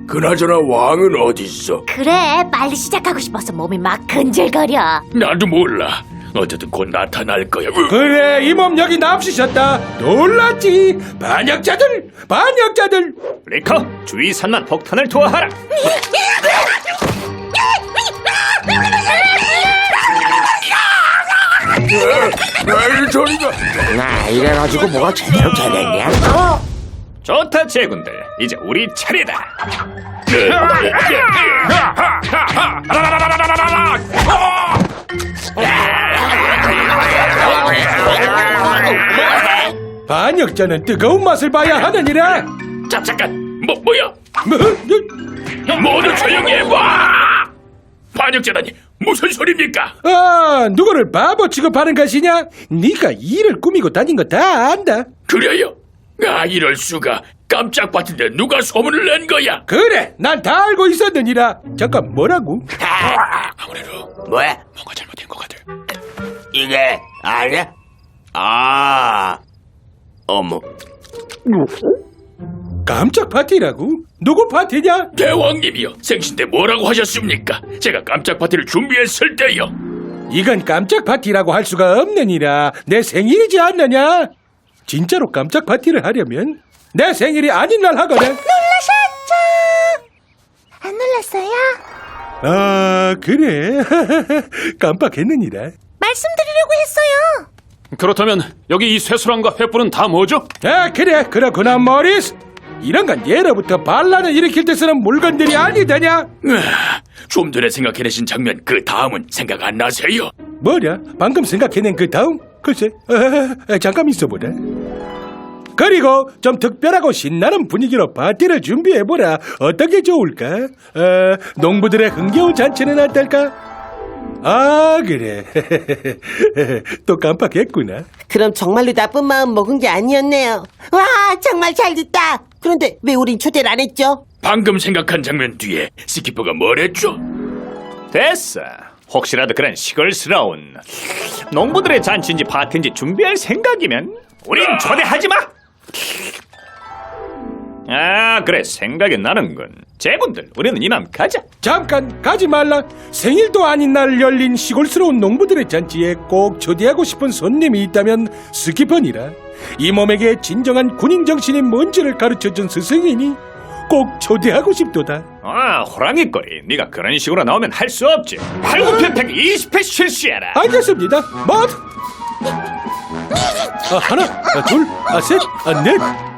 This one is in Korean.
그나저나 왕은 어딨어? 그래, 빨리 시작하고 싶어서 몸이 막 근질거려. 나도 몰라. 어쨌든 곧 나타날 거야. 그래, 이 몸 여기 납치셨다. 놀랐지. 반역자들. 리커, 주위 산만 폭탄을 투하하라. 이 소리가. 이래가지고 뭐가 제대로 되겠냐? 좋다, 제군들. 이제 우리 차례다. 반역자는 뜨거운 맛을 봐야 하느니라. 잠깐. 뭐야? 뭐? 모두 조용히 해봐. 반역자라니 무슨 소리입니까? 누구를 바보 취급하는 것이냐? 네가 일을 꾸미고 다닌 거 다 안다. 그래요? 이럴 수가. 깜짝 봤는데 누가 소문을 낸 거야? 그래, 난 다 알고 있었느니라. 잠깐, 뭐라고? 아무래도 뭐야? 뭔가 잘못된 것 같아. 이게 아니야? 어머. 깜짝 파티라고? 누구 파티냐? 대왕님이요. 생신 때 뭐라고 하셨습니까? 제가 깜짝 파티를 준비했을 때요. 이건 깜짝 파티라고 할 수가 없느니라. 내 생일이지 않느냐? 진짜로 깜짝 파티를 하려면 내 생일이 아닌 날 하거든. 놀라셨죠? 안 놀랐어요? 그래. 깜빡했느니라. 말씀드리려고 했어요. 그렇다면 여기 이 쇠수랑과 횃불은 다 뭐죠? 그래. 그렇구나, 모리스. 이런 건 예로부터 반란을 일으킬 때 쓰는 물건들이 아니더냐? 좀 전에 생각해내신 장면 그 다음은 생각 안 나세요? 뭐냐? 방금 생각해낸 그 다음? 글쎄, 잠깐 있어보라. 그리고 좀 특별하고 신나는 분위기로 파티를 준비해보라. 어떤 게 좋을까? 농부들의 흥겨운 잔치는 어떨까? 그래. 또 깜빡했구나. 그럼 정말로 나쁜 마음 먹은 게 아니었네요. 와, 정말 잘 됐다. 그런데 왜 우린 초대를 안 했죠? 방금 생각한 장면 뒤에 스키퍼가 뭐랬죠? 됐어. 혹시라도 그런 시골스러운 농부들의 잔치인지 파티인지 준비할 생각이면 우린 초대하지 마. 그래, 생각이 나는군. 제군들, 우리는 이만 가자. 잠깐 가지 말라. 생일도 아닌 날 열린 시골스러운 농부들의 잔치에 꼭 초대하고 싶은 손님이 있다면 스키퍼니라. 이 몸에게 진정한 군인 정신이 뭔지를 가르쳐준 스승이니 꼭 초대하고 싶도다. 호랑이 꼬리. 네가 그런 식으로 나오면 할 수 없지. 팔굽혀펴기 20회 실시해라. 알겠습니다. 하나, 둘, 셋, 넷.